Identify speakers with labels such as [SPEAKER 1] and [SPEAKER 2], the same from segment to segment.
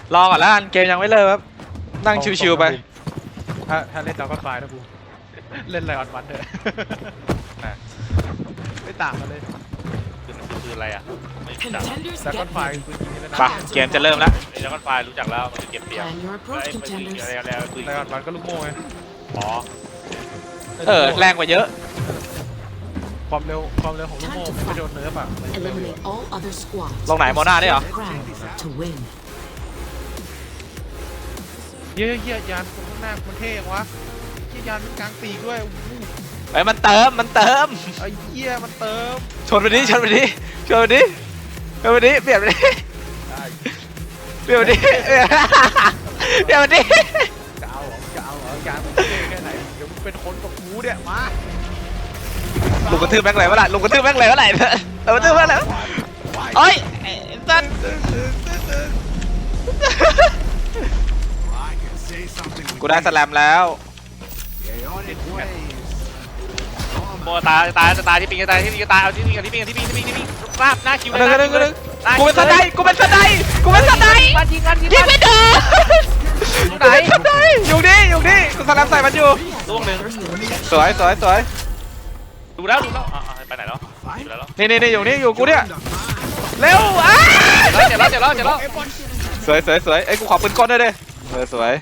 [SPEAKER 1] รอก่อนแล้วกันเกมยังไม่เริ่มครับนั่งชิวๆไป
[SPEAKER 2] ถ้าเล่นดาวก็ไฟนะกูเล่นไลออนวันเถอะไม่ต่างกันเลย
[SPEAKER 3] คืออะไรอ่ะไม่รู้จัก
[SPEAKER 2] ดาวก็ไฟปืนยิงนี่แล้วนะ
[SPEAKER 1] ไปเกมจะเริ่มแล้ว
[SPEAKER 3] ไอ้แล้วก็ไฟรู้จักแล้วมันคือเก็บเสียงไอ้ปืนยิงอะไรปืน
[SPEAKER 2] ไลออนวันก็ลูกโม่ไง
[SPEAKER 3] อ๋อ
[SPEAKER 1] แรงกว่าเยอะ
[SPEAKER 2] ความเร็วของลูกโม่ไม่โดนเนื้อป่ะ
[SPEAKER 1] ลงไหนโมนาได้เหรอ
[SPEAKER 2] เยี่ยยานตรงข้างหน้ามันเท่ยังวะเยี่ยยานมันกลางปีกด้วย
[SPEAKER 1] ไอ้มันเติม
[SPEAKER 2] ไอ้เยี่ยมันเติม
[SPEAKER 1] ชนไปดิเปลี่ยนไปดิเปลี่ยนไปดิเปลี่ยนไปดิเปลี่ยนไปดิเปลี่ยนไปดิ
[SPEAKER 2] จะเอาเหรอยานมันเท่แค่ไหนเดี๋ยวมึงเป็นคนกับกูเนี่ยมา
[SPEAKER 1] ลุงกระทืบแม่งเลยวะล่ะลุงกระทืบแม่งเลยวะล่ะเรากระทืบแม่งเลยโอ้ยสันกูได้สแลมแล้ว
[SPEAKER 3] โมตายที่ปิงจะตายที่ปิงจะตายเอาที่ปิงราบหน้าคิวเลย
[SPEAKER 1] กูเป็นสไนกูเป็นสไนยิงไม่โดนไหนอยู่นี่กูสแลมใส่มันอยู่
[SPEAKER 3] ล่วงหนึ่ง
[SPEAKER 1] สวย
[SPEAKER 3] ดูแล้วไปไหนแล้ว
[SPEAKER 1] นี่อยู่กูเนี่ยเร็ว
[SPEAKER 3] เจ็บแล้ว
[SPEAKER 1] สวยไอ้กูขอปืนก้นด้วยดิสวย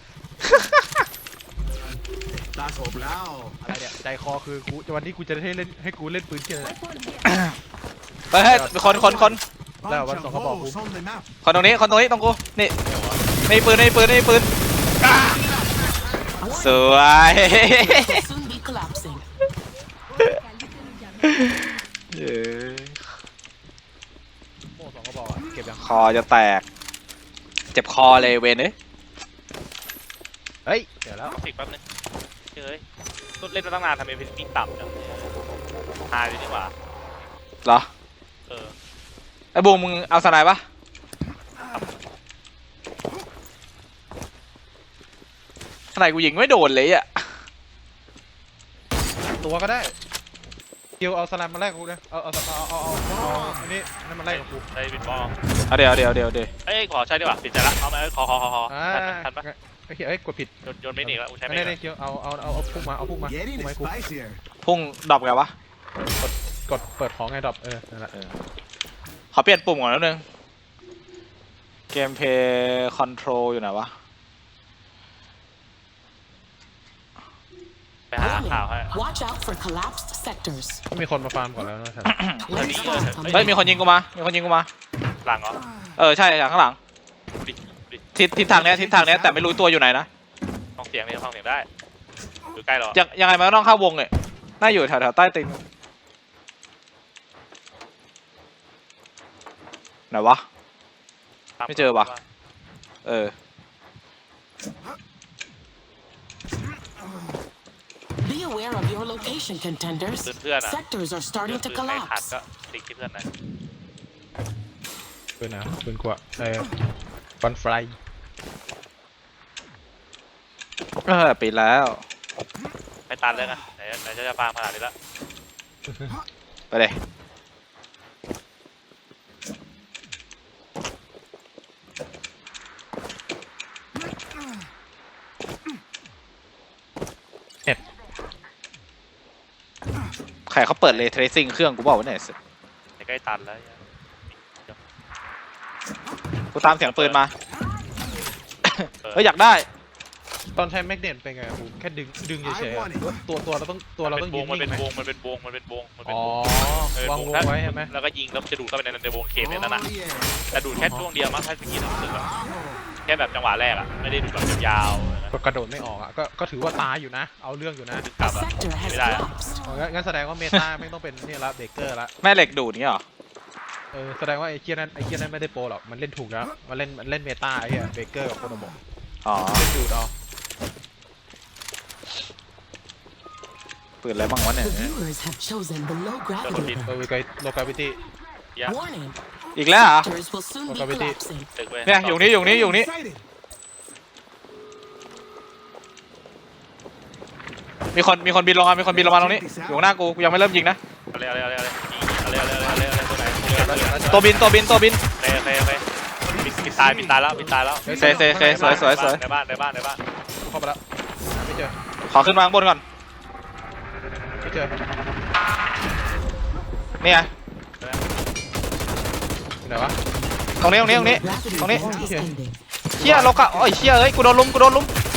[SPEAKER 2] ตาโฉบแล้วอะไรเนี่ยใจคอคือกูวันนี้กูจะให้กูเล่นปืนเชี่ยเลย
[SPEAKER 1] เฮ้ยคน
[SPEAKER 2] แล้ววันสองเขาบอกกู
[SPEAKER 1] คนตรงนี้ตรงกูนี่ในปืนสวย
[SPEAKER 2] โม่สองเขาบอกเก็บยัง
[SPEAKER 1] คอจะแตกเจ็บคอเลยเวน
[SPEAKER 2] เฮ้ยเดี๋ยวแล้ว
[SPEAKER 3] ติดแป๊บนึงเฮ้ยต้นเล่นมาตั้งนานทำไมเป็นปิงต่ำจังหายเลยดีกว่า
[SPEAKER 1] เหรอไอ้บูมมึงเอาสไนปะสไนกูยิงไม่โดนเลยอ่ะ
[SPEAKER 2] ตัวก็ได้เกียวเอาสไลม์มาแลกกูเลยเอาอันนี้นั่นมาแลกกับกู
[SPEAKER 3] ไอ้บินบอล
[SPEAKER 1] เดี๋ยว
[SPEAKER 3] เอ้ยขอใช้ดีกว่าปิดใจละเอาไหมขอทันปะ
[SPEAKER 2] เฮ้ยกดผิด
[SPEAKER 3] โยนไม่หนีแล้วกูใช้ไม่
[SPEAKER 2] ได้เกียวเอาพุ่งมากู
[SPEAKER 1] พุ่งดรอปไงวะ
[SPEAKER 2] กดเปิดของไงดรอปนั่นแหละ
[SPEAKER 1] ขอเปลี่ยนปุ่มก่อนนิดนึงเกมเพย์คอนโทรลอยู่ไหนวะ
[SPEAKER 3] ไปหาข่าวให้
[SPEAKER 2] มีคนมาฟาร์มก่อนแล้วนะ
[SPEAKER 1] เฮ้ยมีคนยิงกูมา
[SPEAKER 3] หลังเหรอ
[SPEAKER 1] ใช่จากข้างหลังทิศทางเนี้ยแต่ไม่รู้ตัวอยู่ไหนนะ
[SPEAKER 3] ฟังเสียงได้อยู่ใกล้หรอ
[SPEAKER 1] ยังไงมันก็ต้องเข้าวงเลยน่าอยู่แถวใต้ตีนไหนวะไม่เจอวะ
[SPEAKER 3] เพื่อนอะขาดก็ติ๊กที่เพื่อนนะ
[SPEAKER 2] ปืนกว่าฟันไฟ
[SPEAKER 1] ปิดแล้ว
[SPEAKER 3] ไม่ตันเลยนะไหนจะฟาร์มขนาดนี้แล้ว
[SPEAKER 1] ไปเลยใครเขาเปิดเลยเทรซิ่งเครื่องกูบอกว่าไหนสิ
[SPEAKER 3] ใกล้ตันแล้ว
[SPEAKER 1] กูตามเสียงปืนมาเฮ้ยอยากได้
[SPEAKER 2] ตอนใช้แมกเนตเป็นไงผมแค่ดึงเฉยๆตัวเราต้องยิง
[SPEAKER 3] มันเป็นวง
[SPEAKER 2] อ๋อวางวงไว้ใช่ไหม
[SPEAKER 3] แล้วก็ยิงแล้วจะดูดเข้าไปในวงเขตเนี่ยนั่นน่ะแต่ดูดแค่ช่วงเดียวมั้งถ้าสกิลรู้สึกแค่แบบจังหวะแรกอ่ะไม่ได้ดูแบบยาว
[SPEAKER 2] ก็กระโดดไม่ออกอ่ะก็ถือว่าตายอยู่นะเอาเรื่องอยู่นะ
[SPEAKER 3] กลับไม่ได้
[SPEAKER 2] งั้นแสดงว่าเมตาไม่ต้องเป็นนี่ละเบเกอร์ละ
[SPEAKER 1] แม่เหล็กดูดนี่หรอ
[SPEAKER 2] แสดงว่าไอ้เกียร์นั้นไม่ได้โปรหรอกมันเล่นถูกแล้วมันเล่นเมตาไอ้เบเกอร์กับโคโนโมะเล่นดูดเอา
[SPEAKER 1] ปืนอะไรบ้างวะเนี่ย
[SPEAKER 2] โลกาวิตี้
[SPEAKER 1] อีกแล้วเหรอ
[SPEAKER 2] โลกาวิตี้
[SPEAKER 1] เนี่ยอยู่นี่มีคนบินลงมาตรงนี้อยู่หน้ากูยังไม่เริ่มยิงนะ
[SPEAKER 3] อะไรตัวไหน
[SPEAKER 1] ตัวบิน
[SPEAKER 3] เลยปิดตายแล้ว
[SPEAKER 2] ฮ้ย
[SPEAKER 4] เซสวย
[SPEAKER 3] ในบ้าน
[SPEAKER 2] เข้าไปแล้วไม่เจอ
[SPEAKER 4] ขอขึ้นมาข้างบนก่อน
[SPEAKER 2] ไม่เจอ
[SPEAKER 4] นี่ไง
[SPEAKER 2] อยู่ไหนวะ
[SPEAKER 4] ตรงนี้
[SPEAKER 5] Rapid
[SPEAKER 4] ตรงนี้
[SPEAKER 5] response is ending.
[SPEAKER 4] เชี่ยลกอะโอ้ยเชี่ยเอ้ยกูโดนลุม
[SPEAKER 2] ลอย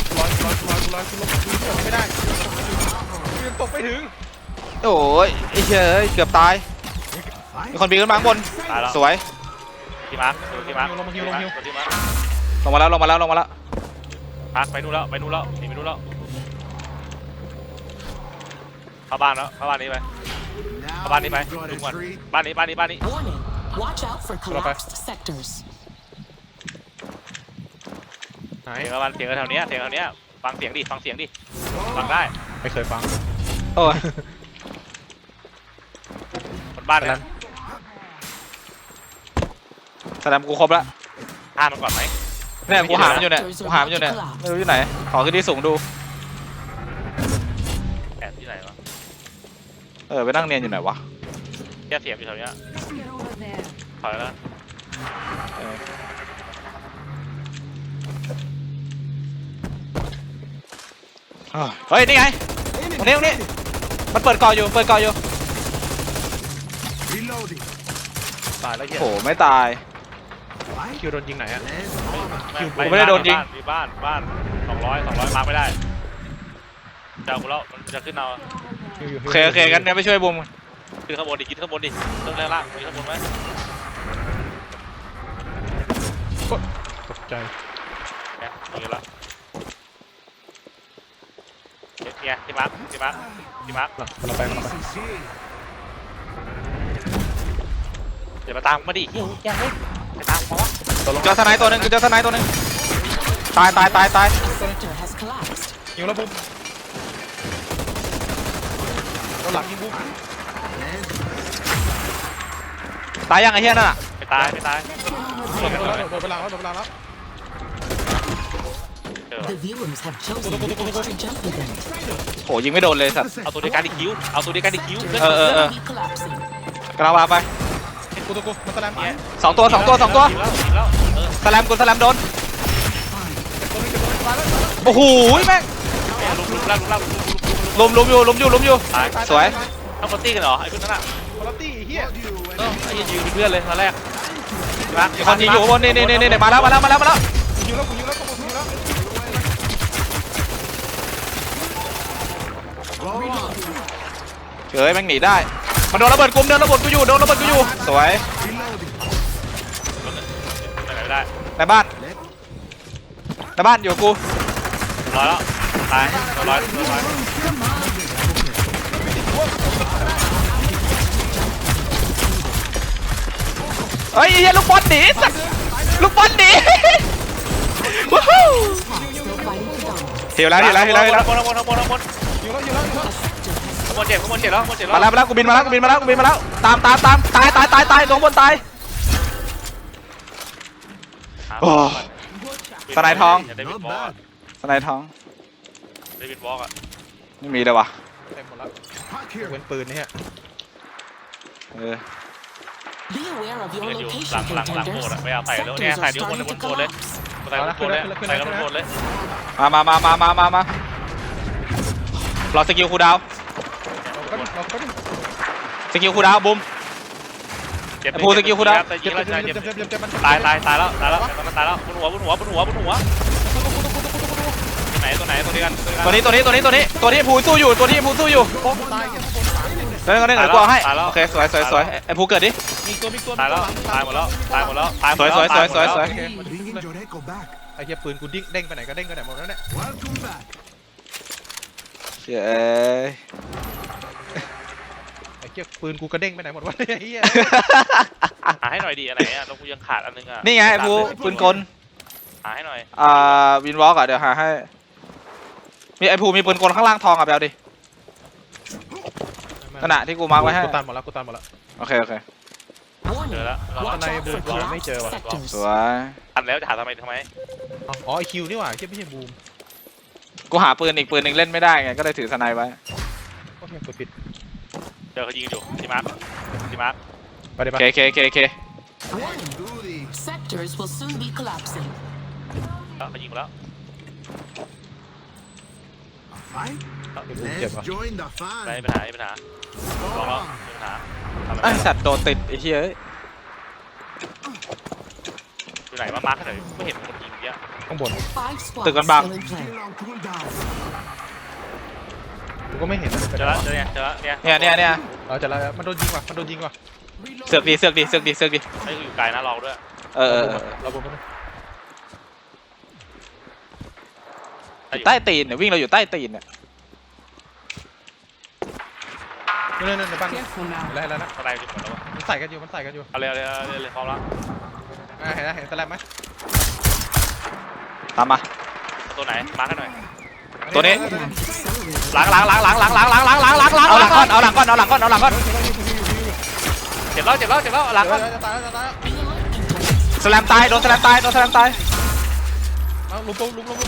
[SPEAKER 2] ไม่ได้ยืนตกไปถึง
[SPEAKER 4] โอ้ยไอ้เชี่ยเอ้ยเกือบตายมีคนปีนขึ้นมาข้างบน
[SPEAKER 3] ตายแล้ว
[SPEAKER 4] สวย
[SPEAKER 3] ที่มาร์คที่มาร์ค
[SPEAKER 2] ลงมา
[SPEAKER 4] ลงมาแล้ว
[SPEAKER 3] พักไปนู่นแล้วหนีไปนู่นแล้วเข้าบ้านนี้ไปดูก่อนบ้านนี้
[SPEAKER 5] Warning. Watch out for collapsed sectors.
[SPEAKER 2] ไหน
[SPEAKER 3] เสียงแถวเนี้ยฟังเสียงดิฟังได้
[SPEAKER 2] ไม่เคยฟัง
[SPEAKER 4] โอ้ย
[SPEAKER 3] คนบ้านเนี่ย
[SPEAKER 4] แสดงกูครบแล้ว
[SPEAKER 3] ฆ่ามันก่อนไหม
[SPEAKER 4] เนี่ยกูหามันอยู่เนี่ยไม่รู้อยู่ไหนขอขึ้นที่สูงดู
[SPEAKER 3] แอบที่ไหนวะ
[SPEAKER 4] ไปนั่งเรียนอยู่ไหนวะ
[SPEAKER 3] แค่เสียงอยู่แถวเนี้ยถอยแล้ว
[SPEAKER 4] เฮ้ยนี่ไงตรงนี้มันเปิดก่ออยู่
[SPEAKER 2] ตายแล้วเหี้ย
[SPEAKER 4] โอ้ไม่ตาย
[SPEAKER 2] คิวโดนยิงไหนอะ
[SPEAKER 4] ไม่ได้โดนยิง
[SPEAKER 3] มีบ้าน200มาร์คไม่ได้เจ้ากูแล้วมันจะขึ้นเอา
[SPEAKER 4] โอเคกันเนี่ยไปช่วยบุม
[SPEAKER 3] ขึ้นข้างบนดิกินข้างบนดิเรื่องแรกล่างมีข้างบนไหม
[SPEAKER 2] ตกใจ
[SPEAKER 3] เนี่ยมีแล้วเนี่ยที่มาร์ค
[SPEAKER 2] เราไป
[SPEAKER 3] เดี๋ยวมาตามมาดิเฮ้ยแกเฮ้ยไปตามเขาวะ
[SPEAKER 4] เจอสไนตัวหนึ่งตาย
[SPEAKER 5] Sector has collapsed.
[SPEAKER 2] ยิงแล้วปุ๊บเราหลังยิงปุ๊บ
[SPEAKER 4] ตายยังไอ้เหี้ยนั่นอะ
[SPEAKER 3] ไปตาย
[SPEAKER 2] โดนไปแล้ว
[SPEAKER 5] The viewers have chosen the extra jump event.
[SPEAKER 4] โหยิงไม่โดนเลยสัตว์
[SPEAKER 3] เอาตัวเดียวกันดิคิว
[SPEAKER 5] Sector
[SPEAKER 4] Uh,
[SPEAKER 5] will be collapsing.
[SPEAKER 4] กำลังมาไป
[SPEAKER 2] กูมันตะแลม
[SPEAKER 3] เนี่ย
[SPEAKER 4] สองตัว
[SPEAKER 3] ยิงแล้ว
[SPEAKER 4] สแลมโดนโอ้โหแม่ง
[SPEAKER 3] ลุม
[SPEAKER 4] ลุมอยู่
[SPEAKER 3] ตาย
[SPEAKER 4] สวย
[SPEAKER 3] เอาคนตีกันเหรอไอ้พวกนั้นอ่ะ
[SPEAKER 2] คอร์ตี้เฮีย
[SPEAKER 3] ไอ้ยืนเพื่อนเลยตอนแรก
[SPEAKER 4] มีคนยิงอยู่ข้างบนนี่มาแล้ว
[SPEAKER 2] กูยิงแล้ว
[SPEAKER 4] เฮ้ยแม่งหนีได้มันโดนระเบิดกูอยู่สวย
[SPEAKER 3] ไปไหนไม่ได้
[SPEAKER 4] ในบ้านอยู่กับกู
[SPEAKER 3] ร้อยแล้วตายร้อย
[SPEAKER 4] เฮ้ยเฮียลูกบอลหนีสัตว์ลูกบอลหนีว้าว
[SPEAKER 5] Still fighting for dominance.
[SPEAKER 4] เฮียแล้ว
[SPEAKER 3] ข้างบน
[SPEAKER 2] ยิงแล้ว
[SPEAKER 5] A sector has
[SPEAKER 3] เจ็บแล้ว
[SPEAKER 4] มาแล้วกูบินมาแล้วตามตายตรงบนตายโอ้สไนทอง
[SPEAKER 3] เดวิดบอล
[SPEAKER 4] สไนทอง
[SPEAKER 3] อ่ะ
[SPEAKER 4] ไม่มีเลยวะ
[SPEAKER 2] เต็มหมดแล้วเว้นปืนนี่ฮะ
[SPEAKER 5] Be aware of your
[SPEAKER 3] อยู่
[SPEAKER 5] location,
[SPEAKER 3] หลังโบส
[SPEAKER 5] contenders.
[SPEAKER 3] อ่ะไม่เอาใส่แล้วเนี่ย
[SPEAKER 5] Sectors
[SPEAKER 3] ใส่
[SPEAKER 5] are
[SPEAKER 3] เดี๋ยวคน
[SPEAKER 5] starting
[SPEAKER 3] บ
[SPEAKER 5] to
[SPEAKER 3] นโบเลย
[SPEAKER 5] collapse.
[SPEAKER 3] ใส่บนโบเลยใส่บนโบเลย
[SPEAKER 4] มารอสกิลคูดาวสกิลคูดาวบุม
[SPEAKER 3] เจ็บ
[SPEAKER 4] พูดสกิลคุณดาว
[SPEAKER 3] ยิงแล้ว
[SPEAKER 2] เจ็บมัน
[SPEAKER 3] ตายแล้วตายแล้วบนหัวตัวไหนตัวเดียวกัน
[SPEAKER 4] ตัวนี้ภูสู้อยู่
[SPEAKER 2] โป๊ะตายเก็บข้างบน
[SPEAKER 4] เดี๋ยวกูเอาให้โอเคสวยไอ้ภูเกิดดิ
[SPEAKER 2] มีตัว
[SPEAKER 3] ตายแล้วตายหมดแล้วตาย
[SPEAKER 4] สวย
[SPEAKER 2] ไอ้เหี้ยปืนกูเด้งไปไหนก็เด้งไปไหนหมดแล้วเนี่ย
[SPEAKER 4] เย้
[SPEAKER 2] ไอ้เหี้ยปืนกูกระเด้งไปไหนหมดวะไอ้เหี้ย
[SPEAKER 3] หาให้หน่อยดิอันไหนอ่ะต้องกูยังขาดอันนึงอ่ะ
[SPEAKER 4] นี่ไงไอ้ภูปืนกล
[SPEAKER 3] หาให้หน่อย
[SPEAKER 4] วินวอล์กอ่ะเดี๋ยวหาให้มีไอ้ภูมีปืนกลข้างล่างทองอ่ะแบลดิขณะที่กูมาร์กไว้ให้
[SPEAKER 2] กูตันหมดแล้ว
[SPEAKER 4] โอเค
[SPEAKER 5] Warning.
[SPEAKER 3] เจอแล้ว
[SPEAKER 5] Watch out for collapsed sectors.
[SPEAKER 4] สวย
[SPEAKER 3] ทันแล้วจะหาทำไม
[SPEAKER 2] อ๋อไอคิวนี่หว่าไม่ใช่บูม
[SPEAKER 4] กูหาปืนอีกปืนหนึ่งเล่นไม่ได้ไงก็เลยถือสไนไว้
[SPEAKER 2] โอเคกดผิด
[SPEAKER 3] เจอเขายิงอยู่ที่มาร์ค
[SPEAKER 2] ไปเดี๋ยว
[SPEAKER 4] เค
[SPEAKER 5] Warning. Sectors will soon be collapsing. collapsing.
[SPEAKER 3] แล้วเขายิงแล้ว
[SPEAKER 2] เจ็บวะ
[SPEAKER 6] Join the
[SPEAKER 3] ไม่
[SPEAKER 6] fun.
[SPEAKER 3] มีปัญหาไม่มีปัญหาลองแล้วไม่มีปัญหาทำอะไร
[SPEAKER 4] ไอ้
[SPEAKER 3] ไม่ได้
[SPEAKER 4] สัตว์โดนติดไอ้เหี้ยเอ้ย
[SPEAKER 3] อยู่ไหนมามาร์คให้หน่อยไม่เห็นคนยิงเยอะ
[SPEAKER 2] ข้างบน
[SPEAKER 5] 5 squads
[SPEAKER 4] Tự cân bằng.
[SPEAKER 5] still in play.
[SPEAKER 6] Still on cooldown.
[SPEAKER 2] กูก็ไม่เห็น
[SPEAKER 3] เจอแล้วเจอเนี่ยเจอแล้วเนี่ย
[SPEAKER 4] เนี่ย
[SPEAKER 2] เราจะแล้วมันโดนยิงว่ะมันโดนยิงว่ะ
[SPEAKER 4] เสือกดีเสือกดีเสือกดีเสือกดี
[SPEAKER 3] ไม่อยู่ไกลนะลองด้วย
[SPEAKER 4] เออ
[SPEAKER 2] เราบน
[SPEAKER 4] ใต้ตีนเนี่ยวิ่งเราอยู่ใต้ตีนเนี่ย
[SPEAKER 2] นั่นในบ้าน
[SPEAKER 5] Careful now.
[SPEAKER 2] แล้วนะ
[SPEAKER 3] อะไรอยู่หมดแล้ววะ
[SPEAKER 2] มันใส่กันอยู่มันใส่กันอยู่
[SPEAKER 3] เอาเลยพร้อมแล้ว
[SPEAKER 2] เห็นสแลมไหม
[SPEAKER 4] ตามมา
[SPEAKER 3] ตัวไหนมาร์คให้หน่อย
[SPEAKER 4] ตัวนี้
[SPEAKER 5] Accelerated.
[SPEAKER 3] หลังเอาหลังก่อน
[SPEAKER 4] เอาหลังก่อนเอาหลังก่อนเอาหลังก่อน
[SPEAKER 3] เจ็บแล้วหลังก่อน
[SPEAKER 2] จะตายแล้ว
[SPEAKER 4] สแลมตายโดนสแลมตายโดนสแลมตาย
[SPEAKER 2] เอาลุม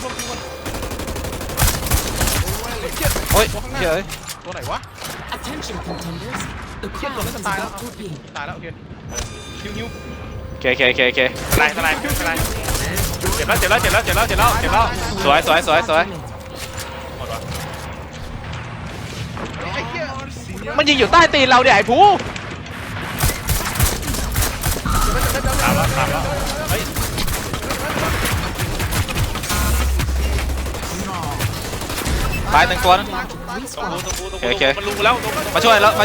[SPEAKER 4] โอ้ยเฮ้ย
[SPEAKER 2] ตัวไหนวะ
[SPEAKER 5] Attention contenders. The
[SPEAKER 2] Chết rồi,
[SPEAKER 5] crowd
[SPEAKER 2] nó
[SPEAKER 5] is
[SPEAKER 2] sẽ tài
[SPEAKER 5] about
[SPEAKER 2] đó.
[SPEAKER 5] to begin.
[SPEAKER 2] ตายแล้วโอเคฮิว
[SPEAKER 4] โอเค
[SPEAKER 3] ทนายเจ็บแล้ว
[SPEAKER 4] สวย
[SPEAKER 3] หมดวะ
[SPEAKER 4] มันยิงอยู่ใต้ตีนเราเนี่ยไอ้ผู้
[SPEAKER 3] ตามแล้วเฮ้ย
[SPEAKER 4] ตายหนึ่งตัวนะ
[SPEAKER 3] ตรง
[SPEAKER 4] โอเค
[SPEAKER 3] มันลุกแล้ว
[SPEAKER 4] มาช่วยแล้ว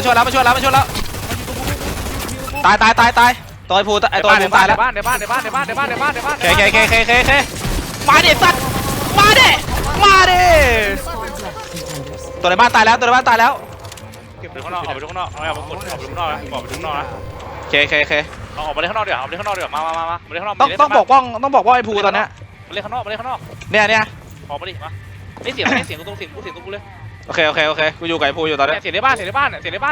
[SPEAKER 4] ตายตัวไอ้ผู้ไอ้ตัวไอ้ผู้ตายแล้ว
[SPEAKER 3] ในบ้าน
[SPEAKER 4] เคมาดิสัตว์มาดิ
[SPEAKER 5] Squads left, contenders.
[SPEAKER 4] ตัวในบ้านตายแล้ว
[SPEAKER 3] ออกไปข้างนอกออกไปข้างนอกเอาไปข้างนอกนะออกไปข้างนอกนะ
[SPEAKER 4] โอเค
[SPEAKER 3] เอาออกมาเล่นข้างนอกเดี๋ยวเอาไปเล่นข้างนอกเดี๋ยวมาเล่นข้างนอก
[SPEAKER 4] ต้องบอกว่าไอ้ผู้ตอนเนี้ย
[SPEAKER 3] มาเล่นข้างนอก
[SPEAKER 4] เนี่ย
[SPEAKER 3] ออกมาดิมาไม่เสียงกูตรงเสียงกูเลย
[SPEAKER 4] โอเคกูอยู่กับไอ้ผู้อยู่ตอนเนี้ย
[SPEAKER 3] เสียงในบ้านเนี่ยเจอ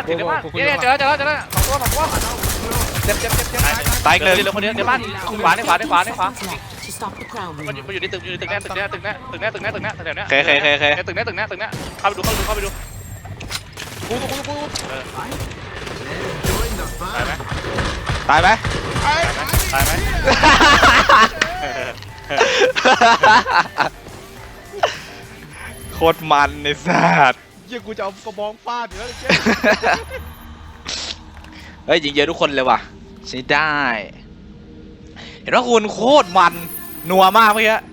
[SPEAKER 3] สองตัวเจ็บ
[SPEAKER 4] ตายอีกหนึ่ง
[SPEAKER 3] เหลือคนเดียวในบ้านขวา
[SPEAKER 5] Squads left to stop the crowd
[SPEAKER 3] มัน
[SPEAKER 5] movement.
[SPEAKER 3] อยู่ในตึกแน่ตึกแน่แถวเนี้ย
[SPEAKER 4] โอเค
[SPEAKER 3] ตึกแน่เข้าไปดู
[SPEAKER 6] Join the
[SPEAKER 3] ตาย
[SPEAKER 6] fun.
[SPEAKER 3] ไหม
[SPEAKER 4] ตายไหม โคตรมันไอ้สัตว์
[SPEAKER 2] เยี่ยกูจะเอากระบองฟาดอยู่แล้ว
[SPEAKER 4] เฮ้ยยิงเยอะทุกคนเลยว่ะใช้ได้ เห็นว่าคุณโคตรมันนัวมากเมื่อกี้